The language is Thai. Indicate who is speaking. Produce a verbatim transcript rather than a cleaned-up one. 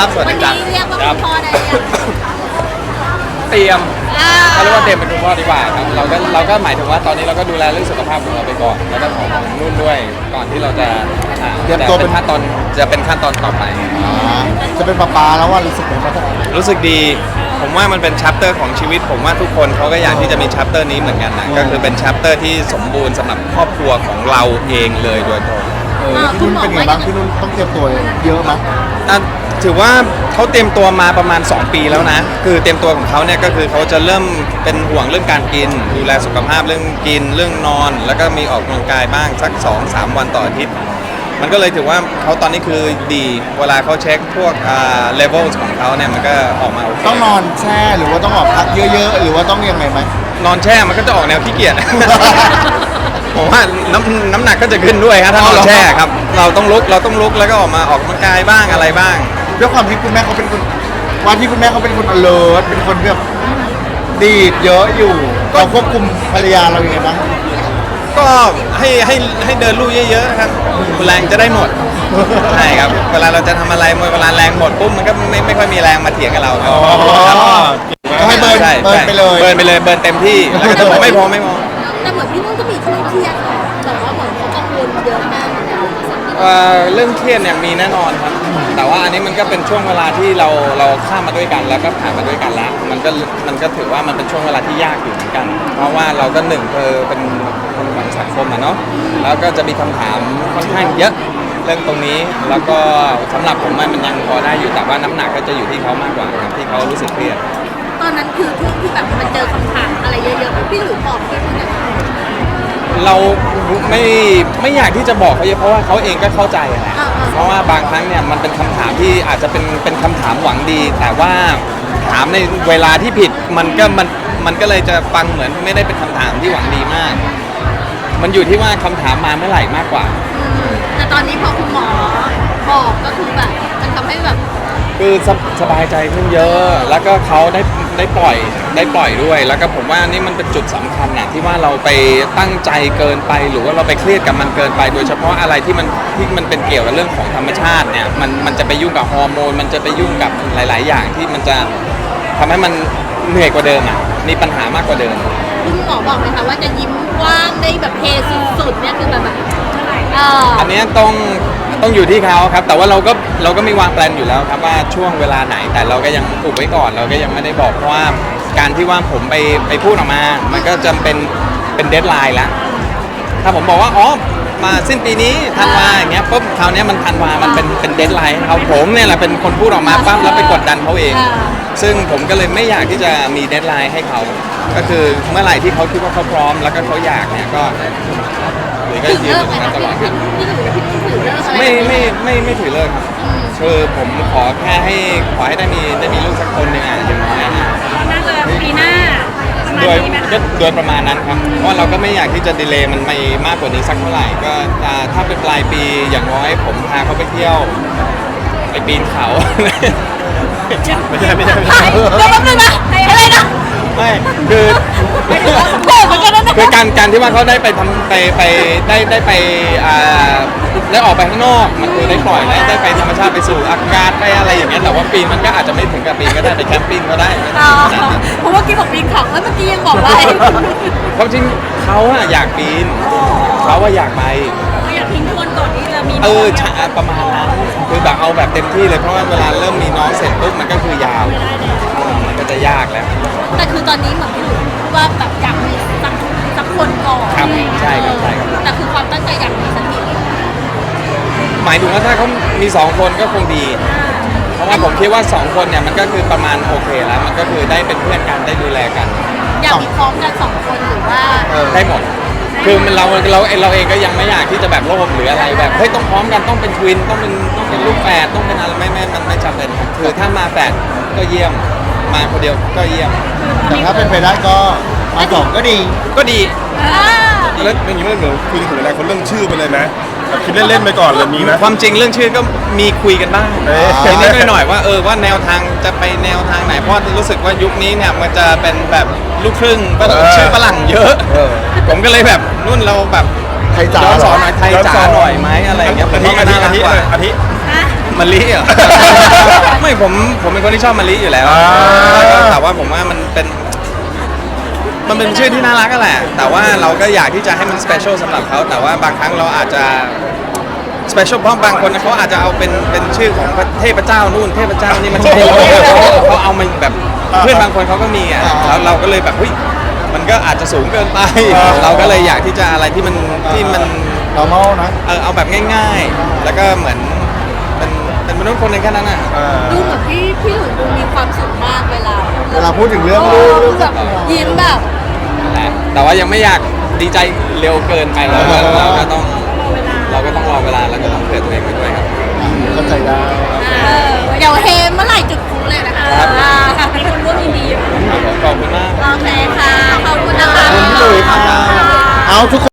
Speaker 1: ครับสวัส
Speaker 2: วั
Speaker 1: ดี
Speaker 2: น
Speaker 1: ครั
Speaker 2: นี้
Speaker 1: บ
Speaker 2: เรียกว่า
Speaker 1: ค
Speaker 2: คุ
Speaker 1: รับ
Speaker 2: ณพ่อได้ยัง
Speaker 1: เตรียม
Speaker 2: อ่า
Speaker 1: เขาเรียกว่าเตรียมเป็นคุณพ่อดีกว่าครับเราก็เราก็หมายถึงว่าตอนนี้เราก็ดูแลเรื่องสุขภาพของเราไปก่อนแล้วก็ของนุ่นด้วยก่อนที่เราจะอ่า
Speaker 3: เตรียมตัวเป็น
Speaker 1: ขั้นตอนจะเป็นขั้นตอนต่อไป
Speaker 3: อ่าจะเป็นปลาปลาแล้วว่ารู้สึกเป็นปลา
Speaker 1: รู้สึกดีผมว่ามันเป็นชัปเตอร์ของชีวิตผมว่าทุกคนเขาก็อยากที่จะมีชัปเตอร์นี้เหมือนกันนะก็คือเป็นชัปเตอร์ที่สมบูรณ์สำหรับครอบครัวของเราเองเลยโดยตรง
Speaker 3: เออพี่นุ่นเป็นไงบ้างพี่นุ่นต้องเตรียมตัวเยอะมั้ย
Speaker 1: อ่ะถือว่าเขาเตรียมตัวมาประมาณสองปีแล้วนะคือเตรียมตัวของเขาเนี่ยก็คือเขาจะเริ่มเป็นห่วงเรื่องการกินดูแลสุขภาพเรื่องกินเรื่องนอน แล้วก็มีออกกำลังกายบ้างสัก สองถึงสาม วันต่ออาทิตย์มันก็เลยถือว่าเขาตอนนี้คือดีเวลาเขาเช็คพวกอ่าเลเวลของเขาเนี่ยมันก็ออกมาโอเค
Speaker 3: ต้องนอนแช่หรือว่าต้องออกพักเยอะๆหรือว่าต้องยังไงไหม
Speaker 1: นอนแช่มันก็จะออกแนวขี้เกียจ ผมว่าน้ำน้ำหนักก็จะขึ้นด้วยครับถ้านอนแช่ครับเราต้องลุกเราต้องลุกแล้วก็ออกมาออกกำลังกายบ้างอะไรบ้าง
Speaker 3: ด้วยความที่คุณแม่เขาเป็นคนวันที่คุณแม่เขาเป็นคน alert เป็นคนแบบดีดเยอะอยู่เราควบคุมภรรยาเรายังไงบ้าง
Speaker 1: ก็ให้ให้ให้เดินลู่เยอะๆครับแรงจะได้หมด ใช่ครับเวลาเราจะทำอะไรเวลาแรงหมดปุ๊บมันก็ไม่ไม่ค่อยมีแรงมาเถียงกับเราครับ
Speaker 3: ก็ให้เบิร์น
Speaker 1: ใช่
Speaker 3: เบิร์นไปเลย
Speaker 1: เบิร์นไปเลยเบิร์นเต็มที่แล้วก็จะบอกไม่พอไม่พอ
Speaker 2: แต่เหมือนพี่นุ่นก็มีช่วงเครียดค่ะแต่ว่าเหมือนเขากังวลเยอะมากเหมือนกัน
Speaker 1: เอ่อเรื่องเครียดเนี่ยมีแน่นอนครับแต่ว่าอันนี้มันก็เป็นช่วงเวลาที่เราเราข้ามมาด้วยกันแล้วก็ผ่านมาด้วยกันแล้วมันก็มันก็ถือว่ามันเป็นช่วงเวลาที่ยากอยู่เหมือนกัน เพราะว่าเราก็หนึ่งเธอเป็นคนของสังคมอะเนาะแล้วก็จะมีคำถามค่อนข้างเยอะเรื่องตรงนี้แล้วก็สำหรับผมมันยังพอได้อยู่แต่ว่าน้ำหนักก็จะอยู่ที่เขามากกว่าครับที่เขารู้สึกเครียด
Speaker 2: ตอนนั้นคือช่วงที่แบบมันเจอคำถามอะไรเยอะๆพี่หลุยบอกพี่นุ่นเนี่ย
Speaker 1: เราไม่ไม่อยากที่จะบอกเขาเยอะเพราะว่าเขาเองก็เข้าใจแหละเพราะว่าบางครั้งเนี่ยมันเป็นคำถามที่อาจจะเป็นเป็นคำถามหวังดี แต่ว่าถามในเวลาที่ผิดมันก็มันมันก็เลยจะฟังเหมือนไม่ได้เป็นคำถามที่หวังดีมาก มันอยู่ที่ว่าคำถามมาเมื่อไหร่มากกว่า
Speaker 2: แต่ตอนนี้พอคุณหมอบอกก็คือแบบมันทำให้แบบ
Speaker 1: คือสบสบายใจขึ้นเยอะ แล้วก็เขาได้ได้ปล่อยได้ปล่อยด้วย แล้วก็ผมว่านี่มันเป็นจุดสำคัญนะที่ว่าเราไปตั้งใจเกินไปหรือว่าเราไปเครียดกับมันเกินไป โดยเฉพาะอะไรที่มันที่มันเป็นเกี่ยวกับเรื่องของธรรมชาติเนี่ยมันมันจะไปยุ่งกับฮอร์โมนมันจะไปยุ่งกับหลาย ๆ อย่างที่มันจะทำให้มันเหนื่อยกว่าเดิมอ่ะมีปัญหามากกว่าเดิม
Speaker 2: คุณหมอบอกไหมคะว่าจะยิ้มกว้างได้แบบเฮสุดๆเนี่ยคือแบบแบบเออ
Speaker 1: อันนี้ต้องต้องอยู่ที่เขาครับ แต่ว่าเราก็เราก็มีวางแผนอยู่แล้วครับว่าช่วงเวลาไหนแต่เราก็ยังอุบไว้ก่อนเราก็ยังไม่ได้บอกเพราะว่าการที่ว่าผมไปไปพูดออกมา มันก็จำเป็นเป็นเดดไลน์แล้วถ้าผมบอกว่าอ๋อมาสิ้นปีนี้ธันวาอย่างเงี้ยปุ๊บคราวนี้มันธันวามันเป็นเป็นเดดไลน์ให้เขาผมเนี่ยแหละเป็นคนพูดออกมาปั๊บแล้วไปกดดันเขาเอง ซึ่งผมก็เลยไม่อยากที่จะมีเดดไลน์ให้เขาก็คือเมื่อไหร่ที่เขาคิดว่าเขาพร้อมแล้วก็เขาอยากเนี่ยก็หรือก็
Speaker 2: ถือ
Speaker 1: ยืน
Speaker 2: เลิ
Speaker 1: อก ยู่ต
Speaker 2: ไหม
Speaker 1: รงนั้นตลอด
Speaker 2: คะพี่พี่หลุยพี่นุ่นถือเลิกอะไร
Speaker 1: ไม่ไม่ไม่ไม่ถือเลิกครับคือผมขอแค่ให้ขอให้ได้มีได้มีลูกสักคนหนึ่งอ่ะอย่างน้อยอ่ะ
Speaker 4: น่าจะปีหน้าประมาณ
Speaker 1: โดย
Speaker 4: นี้ไหม
Speaker 1: ก็
Speaker 4: คะ
Speaker 1: โดยประมาณนั้นครับเพราะเราก็ไม่อยากที่จะดีเลย์มันไปมากกว่านี้สักเท่าไหร่ก็อ่าถ้าเป็นปลายปีอย่างน้อยผมพาเขาไปเที่ยวไปปีนเขา ไม่ใช่ไม่ใช่ไม่ใช่
Speaker 2: เดี๋ยวแป๊บนึงนะอะไรนะ
Speaker 1: ไม่คือ
Speaker 2: โกรธเหมือนกันนะ
Speaker 1: คือการการที่ว่าเขาได้ไปทำไปไปได้ได้ไปอ่าได้ออกไปข้างนอกมันคือได้ปล่อยได้ได้ไปธรรมชาติไปสู่อากาศไปอะไรอย่างเงี้ยแต่ว่าปีนมันก็อาจจะไม่ถึงกับปีนก็ได้ไปแคมปิ้งก็ได้
Speaker 2: อ๋อเพราะว่ากี้บอกปีนเขาแล้วเมื่อกี้ยังบอกว่า
Speaker 1: ความจริงเขาอะอยากปีนเขาว่าอยากไป
Speaker 4: อยากทิ้งทวนก่อนที่จะมี
Speaker 1: เออใช่ประมาณนั้นคือแบบเอาแบบเต็มที่เลยเพราะว่าเวลาเริ่มมีน้องเสร็จปุ๊บมันก็คือยาวมันก็จะยากแล้ว
Speaker 2: แต่คือตอนนี้เหมือนพี่หลุยพูดว่าแบบอยากมีสักสักคนก่อน
Speaker 1: ครับ
Speaker 2: อะไรอย่างเงี้ย
Speaker 1: ใช่ครับใช่ครับ
Speaker 2: แต่คือความตั้งใจอยากมีสักที
Speaker 1: หมายถึงว่าถ้าเขามีสองคนก็คงดี เพราะว่าผมคิดว่าสองคนเนี่ยมันก็คือประมาณโอเคแล้ว มันก็คือได้เป็นเพื่อนกันได้ดูแลกัน
Speaker 2: อยากมีพร้อมกันสองคนหรือว่า
Speaker 3: เออ
Speaker 1: ได้หมด คือมันเราเราเราเองก็ยังไม่อยากที่จะแบบโลภหรืออะไรแบบเฮ้ยต้องพร้อมกันต้องเป็นทวินต้องเป็นต้องเป็นลูกแฝดต้องเป็นอะไรไม่ไม่มันไม่จำเป็นครับคือถ้ามาแฝดก็เยี่ยมมาคนเดียวก็เยี่ยม
Speaker 3: แต่ถ้าเป็นไปได้ก็มาสองก็ดี
Speaker 1: ก็ดี
Speaker 5: แล้วอย่างนี้ไม่เหมือนคุยถึงอนาคตเรื่องชื่อไปเลยไหมแบบคิดเล่นๆไปก่อนเลยมีไหม
Speaker 1: ความจริงเรื่องชื่อก็มีคุยกันบ้าง
Speaker 5: เอ๊ะ
Speaker 1: นิดๆหน่อยๆว่าเออว่าแนวทางจะไปแนวทางไหนเพราะรู้สึกว่ายุคนี้เนี่ยมันจะเป็นแบบลูกครึ่งก็ชื่อฝรั่งเยอะ
Speaker 3: เออ
Speaker 1: ผมก็เลยแบบนุ่นเราแบบ
Speaker 3: ไทยจ๋า
Speaker 1: ย้อนสอนห
Speaker 3: เหร
Speaker 1: น่
Speaker 3: อ
Speaker 1: อยไทยจ๋าหน่อยไหมอะไรอย่างเงี้ยผม
Speaker 5: อาทิ
Speaker 1: ว่ามัน
Speaker 5: อาทิ
Speaker 1: น่ารั
Speaker 5: อาก ทิ
Speaker 1: กว่า
Speaker 5: อาทิ
Speaker 4: อ่ะ
Speaker 1: มะลิเหรอ ไม่ผมผมเป็นคนที่ชอบมะลิอยู่แล้ว
Speaker 5: อ่า
Speaker 1: แต่ว่าผมว่ามันเป็นมันเป็นชื่อที่น่ารักก็แหละ แต่ว่าเราก็อยากที่จะให้มันสเปเชียลสำหรับเขาแต่ว่าบางครั้งเราอาจจะสเปเชียลเพราะบางคนเขาอาจจะเอาเป็นเป็นชื่อของเทพเจ้านู่นเทพเจ้านี่มันเขาเอามันแบบเพื่อนบางคนเขาก็มีอ่ะแล้วเราก็เลยแบบเฮ้ยมันก็อาจจะสูงเกินไป เราก็เลยอยากที่จะอะไรที่มันที่มัน
Speaker 3: normal นะ
Speaker 1: เออเอาแบบง่ายๆ แล้วก็เหมือนเป็นเป็นมนุษย์คนหนึ่งแค่นั้นอ่ะ
Speaker 2: ดูเหมือนพี่พี่หลุยดูมีความสุขมากเวลา
Speaker 3: เวลาพูดถึงเรื่อง
Speaker 2: โอ้
Speaker 3: ลูกเรื่อง
Speaker 2: แบบยิ้มแบบ
Speaker 1: นะแต่ว่ายังไม่อยากดีใจเร็วเกินไปเราก็เราก็ต้องเราก็ต้องรอเวลาแล้วก็ต้องเผื่อตัวเองไปด้วยครับ
Speaker 3: เข้าใจได้
Speaker 2: เออเดี๋ยวเฮเมื่อไหร่จุดพลุเลยนะคะ
Speaker 1: ครับ
Speaker 2: อ่ามีคนร่วมยินดีอยู่
Speaker 1: ขอบคุณมาก
Speaker 2: โอเคค่ะ ขอบคุณนะคะ
Speaker 3: ขอบคุณพี่หลุยส์ค่ะ เอาทุกคน